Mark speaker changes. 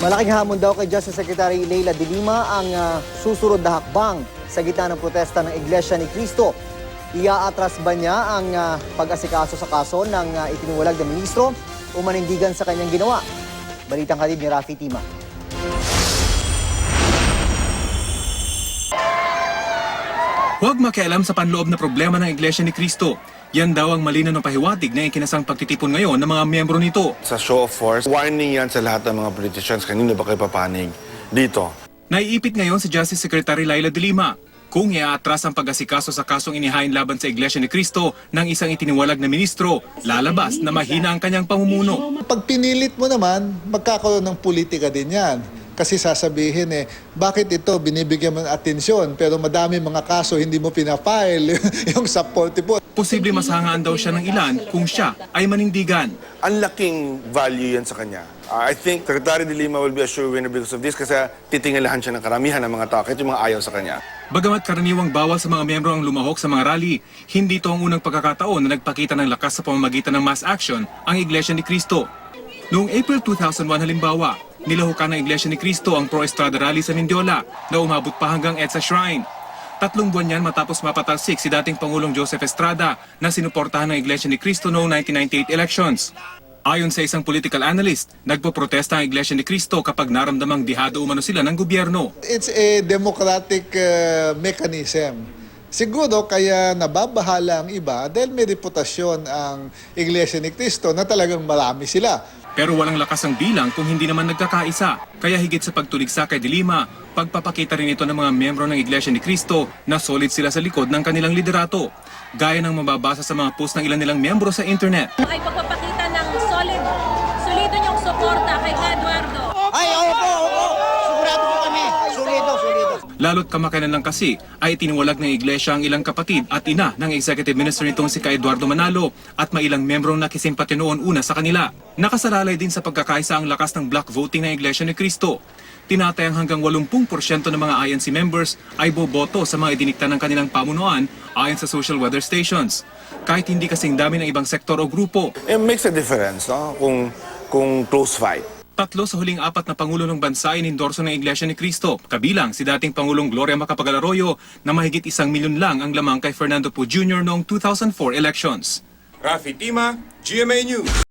Speaker 1: Malaking hamon daw kay Justice Secretary Leila de Lima ang susunod na hakbang sa gitna ng protesta ng Iglesia ni Cristo. Iaatras ba niya ang pag-asikaso sa kaso ng itiniwalag na ministro o manindigan sa kanyang ginawa? Balitang hatid ni Rafi Tima.
Speaker 2: Huwag makialam sa panloob na problema ng Iglesia ni Cristo. Yan daw ang malinaw na pahiwatig na ikinasang pagtitipon ngayon ng mga miyembro nito.
Speaker 3: Sa show of force, warning yan sa lahat ng mga politicians. Kanino ba kayo papanig dito?
Speaker 2: Naiipit ngayon si Justice Secretary Leila de Lima. Kung iaatras ang pag-asikaso sa kasong inihain laban sa Iglesia ni Cristo ng isang itiniwalag na ministro, lalabas na mahina ang kanyang pamumuno.
Speaker 4: Pag pinilit mo naman, magkakaroon ng politika din yan. Kasi sasabihin bakit ito binibigyan mo ng atensyon pero madami mga kaso hindi mo pinafile yung sa 40.
Speaker 2: Posible masahangaan daw siya ng ilan kung siya ay manindigan.
Speaker 3: Ang laking value yan sa kanya. I think Secretary de Lima will be a sure winner because of this kasi titingalahan siya ng karamihan ng mga tao kahit yung mga ayaw sa kanya.
Speaker 2: Bagamat karaniwang bawal sa mga miyembro ang lumahok sa mga rally, hindi ito ang unang pagkakataon na nagpakita ng lakas sa pamamagitan ng mass action ang Iglesia ni Cristo. Noong April 2001 halimbawa, nilahukan ng Iglesia ni Cristo ang pro-Estrada rally sa Mindiola na umabot pa hanggang EDSA Shrine. 3 buwan yan matapos mapatalsik si dating Pangulong Joseph Estrada na sinuportahan ng Iglesia ni Cristo noong 1998 elections. Ayon sa isang political analyst, nagpoprotesta ang Iglesia ni Cristo kapag naramdamang dihado umano sila ng gobyerno.
Speaker 4: It's a democratic mechanism. Siguro kaya nababahala ang iba dahil may reputasyon ang Iglesia ni Cristo na talagang marami sila.
Speaker 2: Pero walang lakas ang bilang kung hindi naman nagkakaisa. Kaya higit sa pagtuligsa kay de Lima, pagpapakita rin ito ng mga miyembro ng Iglesia ni Cristo na solid sila sa likod ng kanilang liderato. Gaya ng mababasa sa mga post ng ilan nilang miyembro sa internet.
Speaker 5: Ay pagpapakita ng solido niyong suporta kay Eduardo.
Speaker 1: Ay, opo. Sigurado po kami. Solido.
Speaker 2: Lalo't kamakailan lang kasi ay itiniwalag ng Iglesia ang ilang kapatid at ina ng executive minister nitong si Eduardo Manalo at may ilang membrong nakisimpati noon una sa kanila. Nakasalalay din sa pagkakaisa ang lakas ng block voting ng Iglesia ni Cristo. Tinatayang hanggang 80% ng mga INC members ay boboto sa mga idinikta ng kanilang pamunuan ayon sa social weather stations. Kahit hindi kasing dami ng ibang sektor o grupo.
Speaker 3: It makes a difference, no? Kung close fight.
Speaker 2: 3 sa huling 4 na Pangulo ng bansa ay inendorso ng Iglesia ni Cristo, kabilang si dating Pangulong Gloria Macapagal-Arroyo na mahigit 1 milyon lang ang lamang kay Fernando Poe Jr. noong 2004 elections.
Speaker 6: Rafi Tima, GMA News.